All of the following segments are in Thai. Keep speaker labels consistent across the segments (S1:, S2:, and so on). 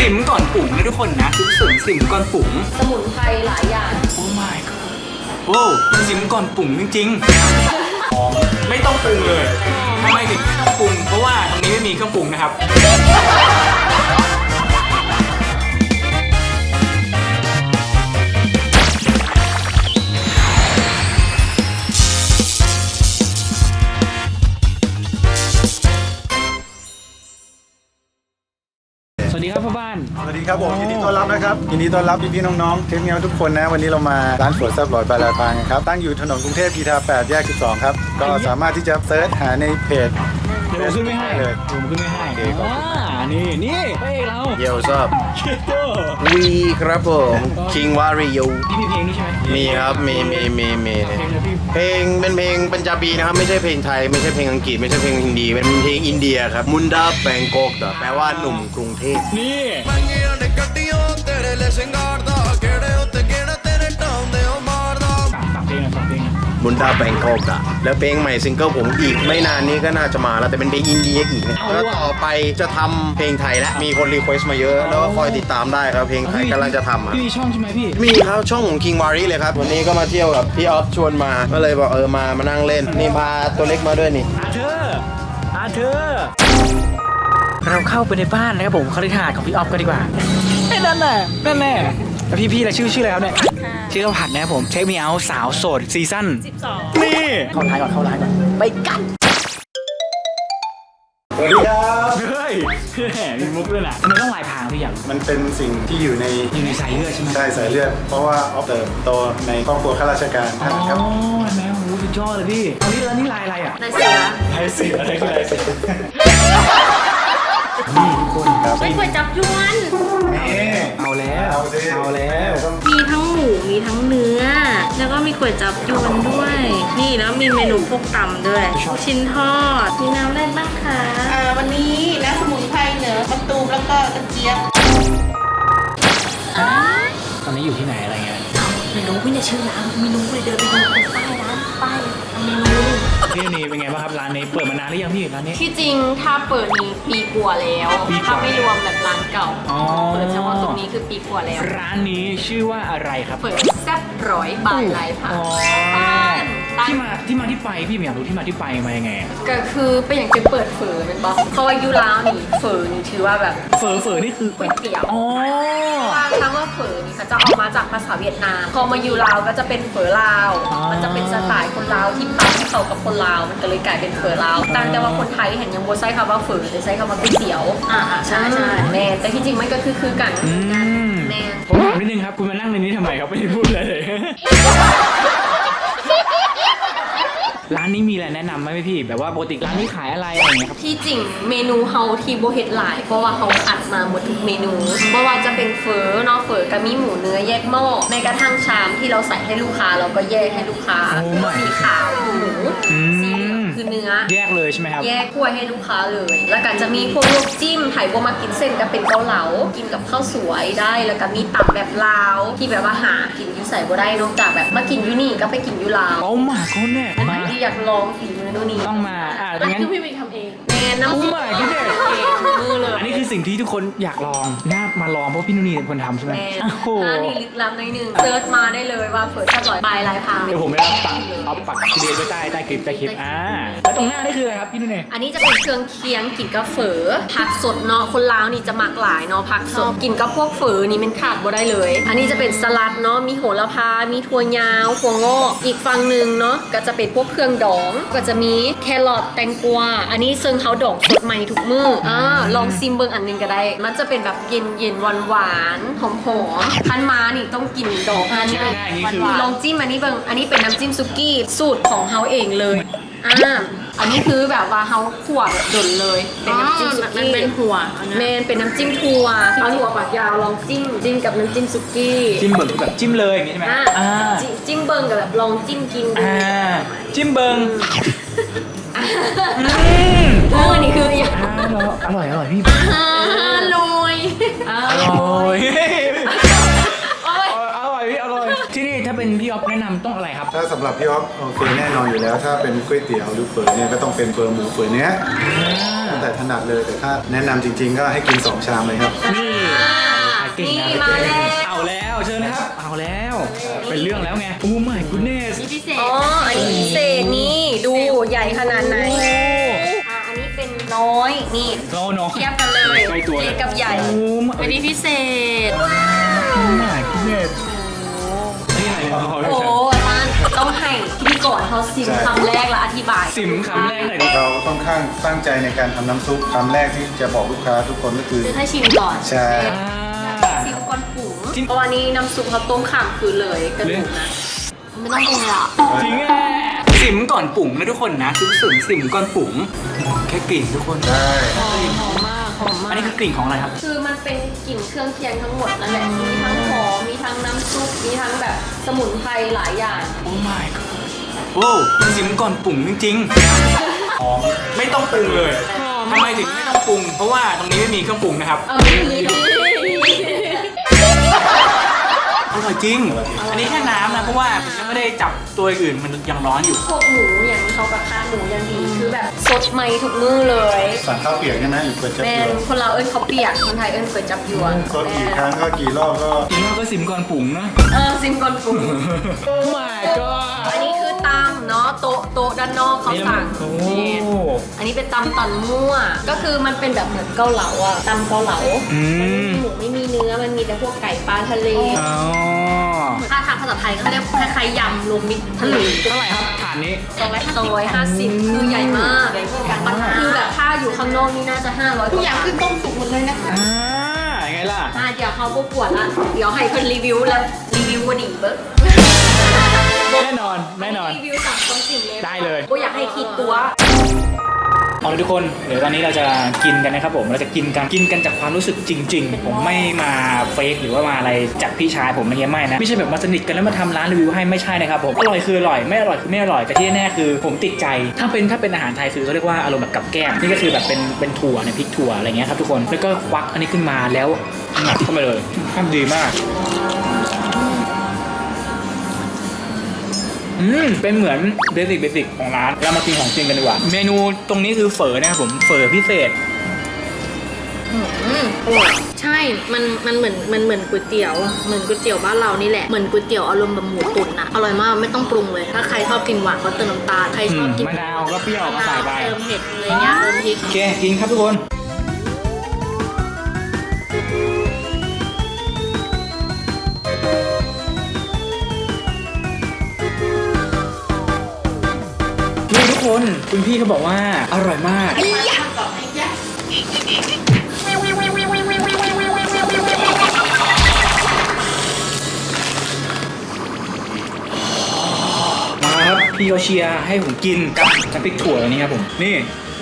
S1: สิมก่อนปรุงนะทุกคนนะสิมก่อนปรุง
S2: สมุนไพรหลายอย่าง
S1: โอ้ my god โอ้สิมก่อนปรุงจริงๆไม่ต้องปรุงเลยทำไมถึงไม่ต้องปรุงเพราะว่าตรงนี้ไม่มีเครื่องปรุงนะครับสวัสดีครับพ่อบ้าน
S3: สวัสดีครับผมยินดีต้อนรับนะครับยินดีต้อนรับพี่ๆน้องๆเทปเงี้ยวทุกคนนะวันนี้เรามาร้านสวนแซ่บหลอยบาลาปางครับตั้งอยู่ถนนกรุงเทพกีทา8แยก12ครับก็สามารถที่จะเซิร์ชหาในเพจ
S1: เดี๋ยวผมขึ้นไม่ให้เลยผมขึ้นไม่ให้นี่พระเอกเรา
S4: เยลซับ
S1: เชโต้
S4: วีครับผมคิงวาริโย
S1: พี่มีเพลงด้วยใช่ไหม
S4: มีครับมี
S1: เพลงเลยพี่
S4: เพลงเป็นเพลงปัญจาบีนะครับไม่ใช่เพลงไทยไม่ใช่เพลงอังกฤษไม่ใช่เพลงฮินดีเป็นเพลงอินเดียครับมุนดาแบงกอกแปลว่าหนุ่มกรุงเทพ
S1: นี่ฝากเพลงหน่อยฝากเพลงหน่อย
S4: มุนดาแบงกอกแล้วเพลงใหม่ซิงเกิลผมอีกไม่นานนี้ก็น่าจะมาแล้วแต่เป็นเพลงอินเดียอีกนะแล้วต่อไปจะทำเพลงไทยแล้วมีคนรีเควสต์มาเยอะแล้วก็คอยติดตามได้ครับเพลงไทยกำลังจะทำครับ
S1: พี่มีช่องใช่ไหมพี่
S4: มีครับช่องของ King Wari เลยครับวันนี้ก็มาเที่ยวกับพี่ออฟชวนมาก็เลยบอกมานั่งเล่นนี่พาตัวเล็กมาด้วยนี่
S1: อาเธอเราเข้าไปในบ้านนะครับผมคฤหาสน์ของพี่ออฟกันดีกว่านั่นแหละแล้วพี่อะไรชื่ออะไรครับเนี่ยชื่อข้าวผัดนะครับผมเช็คมีเอาสาวโสดซีซั่น12นี่เข้าร้านก่อนไปกัน
S3: สวัสดีครับ
S1: เฮ้ยมีมุกด้วยนะทำไมต้องลายพรางพี่อย่าง
S3: มันเป็นสิ่งที่อยู่ใน
S1: สายเลือดใช่ไหม
S3: ใช่สายเลือดเพราะว่าออฟเติบโตในครอบครัวข้าราชการทหารครับ
S1: เห็นไหมโอ้โหสุดยอดเลยพี่เอานี่แล้วนี่ลายอะไรอ่ะ
S2: ในเสือ
S1: ลายเสืออะไรคือลายเสือนี่ทุกคนครับ
S2: ไม่เคยจับยวน
S1: เอาแล้ว
S2: มีทั้งหมูมีทั้งเนื้อ แล้วก็มีก๋วยจับยวนด้วย นี่แล้วมีเมนูพวกตำด้วยลูกชิ้นทอดมีน้ำอะไรบ้างคะวันนี้น้ำสมุนไพรเหนือมะตูมแล้วก็กระเจี๊ยบ
S1: ตอนนี้อยู่ที่ไหนอะไรเงี้ย
S2: ไม่รู้ไม่ได้ชื่อร้านไม่รู้เลยเดินไปดูตรงป้ายร้านป้ายเมนู
S1: พี่นี่เป็นไงบ้างครับร้านนี้เปิดมานานหรือยังพี่ร้านนี้
S2: ที่จริงถ้าเปิดนี้ปีกว่าแล้ว
S1: ปีกว่า
S2: ถ้าไม่รวมแบบร้านเก่า
S1: อ๋อ
S2: เปิดเฉพาะตรงนี้คือปีกว่าแล้ว
S1: ร้านนี้ชื่อว่าอะไรครับ
S2: เปิดแซ่บร้อยบาทไลฟ์ค่ะ
S1: อ๋อ
S2: บ้านตั้ง
S1: ที่ไปพี่อยากรู้ที่มาที่ไปมายังไงอะ
S2: ก็คือเป็นอย่างจะเปิดเฝอเป็นปะเพราะว่ายูราวนี่เฝอนี่ถือว่าแบบ
S1: เฝอนี่คือ
S2: ก๋วยเตี๋ยว
S1: อ๋อ
S2: ว่าคำว่าเฝอนี่เขาจะเอามาจากภาษาเวียดนาม พอมายูราวก็จะเป็นเฝอลาว มันจะเป็นสไตล์คนลาวที่ปั๊มเข้ากับคนลาว มันก็เลยกลายเป็นเฝอลาวต่างแต่ว่าคนไทยเห็นยังโบใช้คำว่าเฝอแต่ใช้คำว่าก๋วยเตี๋ยวใช่แม่แต่ที่จริงมันก็คือกันแม่
S1: ผมถามนิดนึงครับคุณมานั่งในนี้ทำไมครับไม่ได้พูดอะไรเลย ร้านนี้มีอะไรแนะนำไหมพี่แบบว่าปกติร้านนี้ขายอะไรอย่างเงี้ยครับ
S2: ที่จริงเมนูเฮาที่โบเฮ็ดหลาย เพราะว่าเขาอัดมาหมดทุกเมนูเพราะว่าจะเป็นเฟอเนาะเฟอกับมีหมูเนื้อแยกหม้อในกระทั่งชามที่เราใส่ให้ลูกค้าเราก็แยกให้ลูกค้าสีขาวหมูสีเหลืองคือเนื้อ
S1: แยกเลยใช่ไหมครับ
S2: แยกกล้วยให้ลูกค้าเลย แล้วก็จะมีพวกลวกจิ้มไผ่บัวมากินเส้นก็เป็นเกาเหลากินกับข้าวสวยได้แล้วก็มีตับแบบลาวที่แบบว่าหากินอยู่ใส่บ่ได้นอกจากแบบมากินอยู่นี่ก็ไปกินอยู่ลาว
S1: โอ้หมาเขาเนี่ย
S2: อันไหนที่อยากลองฝีมือนู่นนี่
S1: ต้องมางั้น
S2: คือพี่ไปทำเองแม่น้ำ
S1: โอ้
S2: ซุป
S1: my goodness
S2: เองมือเลย
S1: อันนี้คือสิ่งที่ทุกคนอยากลองน่ามาลองเพราะพี่นุ่นนี่เป็นคนทำใช่ไหม
S2: แม่
S1: โอ้โห
S2: ร้านนี้ลึกล้ำหน่อยหนึงเซิร์ชมาได้เลยว่าเปิดสักร้อยปลายลายพราง
S1: เดี๋ยวผมไปเอาปักทีเดียวไว้ใต้คลิปแล้วตรงหน้านี่คืออะไรครับพี่นุ่นนี่
S2: อันนี้จะเป็นเครื่องเคียงกินกับเฝอผักสดเนาะคนลาวนี่จะมักหลายเนาะผักสดกินกับพวกเฝอนี่มันขาดบ่ได้เลย อันนี้จะเป็นสลัดเนาะมีโหระพา มีถั่วยาวถั่วงอกอีกฝั่งหนึ่งเนาะก็จะเป็นพวกเครื่องดองก็จะมีแครอทแตงกวาอันนี้ซึ่งเขาดองสดใหม่ทุกมื้อลองซิมเบิ่งอันหนึงก็ได้ มันจะเป็นแบบเย็นหวานๆหอมๆคันมานี่ต้องกินดอกอันนี้ลองจิ้มอันนี้เบิ่งอันนี้เป็นน้ำจิ้มซุกี้สูตรของเขาเองเลยอันนี้คือแบบว่าเขาขั่วแบบดนเลย เป็นน้ำจิ้มซุกี้มันเป็นหัวเมนเป็นน้ำจิ้มถั่วเอาถั่วปากยาวลองจิ้มกับน้ำจิ้มซุกี้
S1: จิ้มเบิร์แบบจิ้มเลยอย่างนี้ใช่ไหม
S2: จิ้มเบิ้งกับแบบลองจิ้มกินดู
S1: จิ้มเบิร์
S2: อันนี้คืออย่าง
S1: อร่อยพี่
S2: ลอย
S1: อร่อยพี่อร่อยที่นี่ถ้าเป็นพี่ออฟแนะนำต้องอะไรครับ
S3: ถ้าสำหรับพี่อ๊อฟโอเคแน่นอนอยู่แล้ว ถ้าเป็นก๋วยเตี๋ยวหรือเฝอเนี่ยก็ต้องเป็นเฝอหมูเฝอเนื้อตั้งแต่ถนัดเลยแต่ถ้าแนะนำจริงๆ ก็ให้กิน2 ชามเลยครับ
S1: นี่
S2: นี่มาแล้ว
S1: เอาแล้วเชิญนะครับเอาแล้วเป็นเรื่องแล้วไงโอ้ my goodness
S2: นี่พิเศษอ๋ออันนี้พิเศษนี่ดูใหญ่ขนาดไหนอันนี้เป็นน้อยนี่
S1: โน้อง
S2: เทียบกันเลย
S1: ใกล้ตัว
S2: เล็กกับใหญ่
S1: โอ้
S2: อันนี้พิเศษ
S1: my goodness นี่อะไรครับ
S2: โอ้ท่านต้องให้พิธีกรเขาซิมคำแรกแล้วอธิบาย
S1: สิมคำแรกหน่อยดิ
S3: เราค่อนข้างตั้งใจในการทำน้ำซุปคำแรกที่จะบอกลูกค้าทุกคนก็คือ
S2: คือให้ชิมก่อน
S3: ใช่
S2: ซิมก่อนปรุงเพราะวันนี้น้ำซุปเขาต้มข้ามคืนเลยกระดูกนะไม่ต้องปรุงเลยอ่ะ
S1: จริงอ่ะสิมก่อนปุ๋งนะทุกคนนะสิมก่อนปุ๋งแค่กลิ่นทุกคน
S3: ได้
S2: หอมมากหอมมา
S1: อัน
S2: ก
S1: นี้คือกลิ่นของอะไรครับ
S2: คือมันเป็นกลิ่นเครื่องเคียงทั้งหมดนั่นแหละมีทั้งหอมมีทั้งน้ำซุปมีทั้งแบบสมุนไพรหลายอย่าง
S1: โอ้ my god โอ้สิมก่อนปุ๋งจริงๆหอมไม่ต้องปรุงเลยทำไมถึงไม่ต้องปรุง เพราะว่าตรงนี้ไม่มีเครื่องปรุงนะครับ
S2: เอาไม่มี
S1: อร่อยจริง อันนี้แค่น้ำนะ เพราะว่าผมยังไม่ได้จับตัวอื่นมันยังร้อนอยู่
S2: พวกหมูอย่างนี้เขากระทะหมูอย่างดีคือแบบสดใหม่ทุกมื้อเลย
S3: สั่งข้าวเปียกใช่ไหมหรือก๋วยจั๊บ
S2: แม่
S3: ยวน
S2: คนเราวเอิ้นเขาวเปียกคนไทยเอิ้นก๋วยจับยวน
S3: สดกี่ครั้งก็กี่รอบก็
S1: จริงๆก็สิมก่อนปุ๋งนะ
S2: ซิมก่อนปรุง
S1: โอ้ my god
S2: อันนี้คือตำเนาะโต๊ะด้านนอกเขาสั่ง
S1: โอ้
S2: นี่อันนี้เป็นตำตอนมั่ว ก็คือมันเป็นแบบเหมือนเกาเหลาอะตำเกาเหลา
S1: อืม
S2: หมูไม่มีเนื้อมันมีแต่พวกไก่ปลาทะเล
S1: อ๋อ
S2: ถ้าทางภาษาไทยเขาเรียกคล้ายๆยำรวมมิตรทะเล
S1: เท่าไหร่ครับฐานนี้
S2: 250คือใหญ่มากมันคือแบบถ้าอยู่ข้างนอกนี่น่าจะ500ทุกอย่างคือต้มสุกหมดเลยนะคะ
S1: อ่ายังไงล่ะ
S2: เดี๋ยวเขาก็ปวดละเดี๋ยวให้เพิ่นรีวิวแล้วรีวิวว่าดีเบิ้ง
S1: แน่นอนแน่นอน
S2: รีวิวสั่งต้มจิ๋มเลย
S1: ได้เลย
S2: ก็อยากให้คิดตัว
S1: เอาเลยทุกคน เดี๋ยวตอนนี้เราจะกินกันนะครับผม เราจะกินกันจากความรู้สึกจริง ๆ ผมไม่มาเฟกหรือว่ามาอะไรจากพี่ชายผมอะไรเงี้ยไม่นะ ไม่ใช่แบบมาสนิทกันแล้วมาทำร้านรีวิวให้ไม่ใช่นะครับผม อร่อยคืออร่อย ไม่อร่อยคือไม่อร่อย แต่ที่แน่ๆคือผมติดใจ ถ้าเป็นอาหารไทยคือเขาเรียกว่าอารมณ์แบบกับแก้ม นี่ก็คือแบบเป็นถั่วเนี่ยพริกถั่วอะไรเงี้ยครับทุกคน แล้วก็ควักอันนี้ขึ้นมาแล้วงัดเข้าไปเลยทำดีมาก เป็นเหมือนเบสิกของร้านเรามากินของจริงกันดีกว่า เมนูตรงนี้คือเฝอนะครับผมเฝอพิเศษ
S5: ใช่ มันเหมือนก๋วยเตี๋ยว เหมือนก๋วยเตี๋ยวบ้านเรานี่แหละ เหมือนก๋วยเตี๋ยวอารมณ์แบบหมูตุ๋นนะอร่อยมาก ไม่ต้องปรุงเลย ถ้าใครชอบกินหวานก็เติมน้ำตาล ใครชอบกิน
S1: มะนาวก็เปรี้ยวก็ใส่ไป
S5: เติมเผ็ดอะไรเงี้ยเติมพริก
S1: โอเค กินครับทุกคน นี่ทุกคนคุณพี่เขาบอกว่าอร่อยมาก มาครับพี่เขาเชียร์ให้ผมกินกับน้ำพริกถั่วอันนี้ครับผมนี่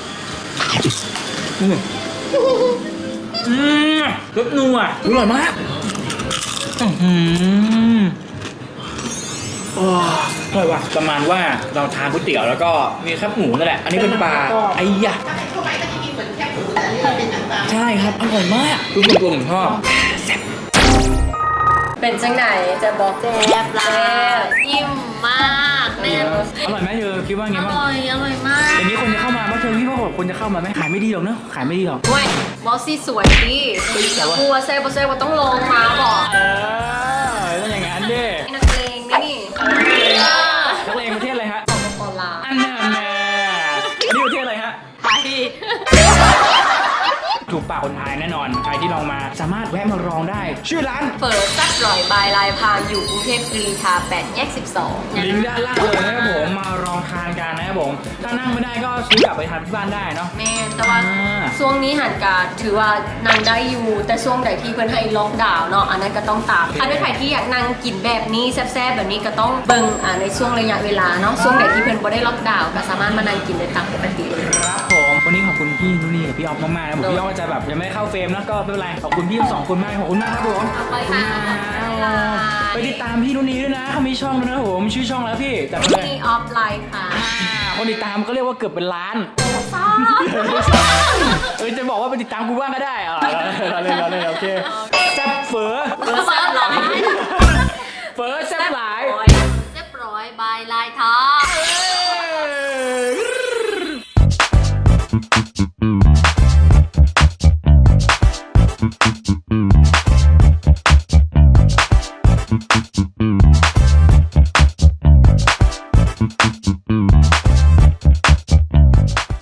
S1: รสนัวอร่อยมากโอ้อร่อยว่ะประมาณว่าเราทานก๋วยเตี๋ยวแล้วก็มีแคบหมูนั่นแหละอันนี้เป็นปลาไอ้ยะใช่ครับอร่อยมากคือตัวผมชอบ
S2: เป็นจังไหนจะบอก
S5: แซ่บแล้วอิ่มมากแน่น
S1: อร่อยไหมเธอคิดว่าไง
S5: อ
S1: บ้าง
S5: ร่อย อร่อยมาก
S1: อย่างนี้คนจะเข้ามาไหมเธอพี่ว่าคนจะเข้ามาไหมขายไม่ดีหรอกเนอะขายไม่ดีหรอก
S2: เว้ยบอสซี่สวยดิอย่ากลัวเซ่บอสเซ่บอต้องลงมาบอก
S1: ต้องอย่างนั้นดิ
S2: นักเลงนี่
S1: นักเลงประเทศอะไรฮะ
S2: ปอลา
S1: อันนั้นแน่อันนี้ประเทศอะไรฮะ
S2: ไทย
S1: ถูกปากคนไทยแน่นอน ใครที่ลองมาสามารถแวะมาลองได้ ชื่อร้าน
S2: เปิดซัดร่อยบายลายพางอยู่กรุงเทพกรีฑา8 แยก 12
S1: ลิงก์ด้านล่างเลยนะครับผมมาลองทานกันนะครับผมถ้านั่งไม่ได้ก็ซื้อกลับไปทานที่บ้านได้เนาะ
S2: แม่แต่ว่า
S1: อ่า
S2: ช่วงนี้หันการถือว่านางได้อยู่ แต่ช่วงไหนที่เพื่อนให้ล็อกดาวน์เนาะอันนั้นก็ต้องตามถ้าด้วยใครที่อยากนั่งกินแบบนี้แซ่บๆแบบนี้ก็ต้องเบิ่งในช่วงระยะเวลาเนาะช่วงไหนที่เพื่อนบ่ได้ล็อกดาวน์ก็สามารถมานั่งกินได้ตามปกติเลย
S1: ครับผมวันนี้ขอบคุณพี่นุนี่กับพี่ออฟมากๆนะผมพี่ออฟจะแบบยังไม่ได้เข้าเฟรมนะก็ไม่เป็นไรขอบคุณพี่ทั้งสองคนมากขอบคุณมากครับผม
S2: ขอบคุณค่ะ
S1: ไปติดตามพี่นุนี่ด้วยนะเขามีช่องด้วยนะครับผมชื่อช่องแล้วพี่จัดไปเลย
S2: นี่ออฟไลน์ค่ะ
S1: คนติดตามก็เรียกว่าเกือบเป็นล้าน
S2: ซ่า
S1: จะบอกว่าไปติดตามกูบ้างก็ได้เราเล่นโอเคแซ่บเฝอ
S2: เซ่บร้อย
S1: เฝอแซ่บหลาย
S5: เรียบร้อย
S2: ายบายลายท้อ
S1: เ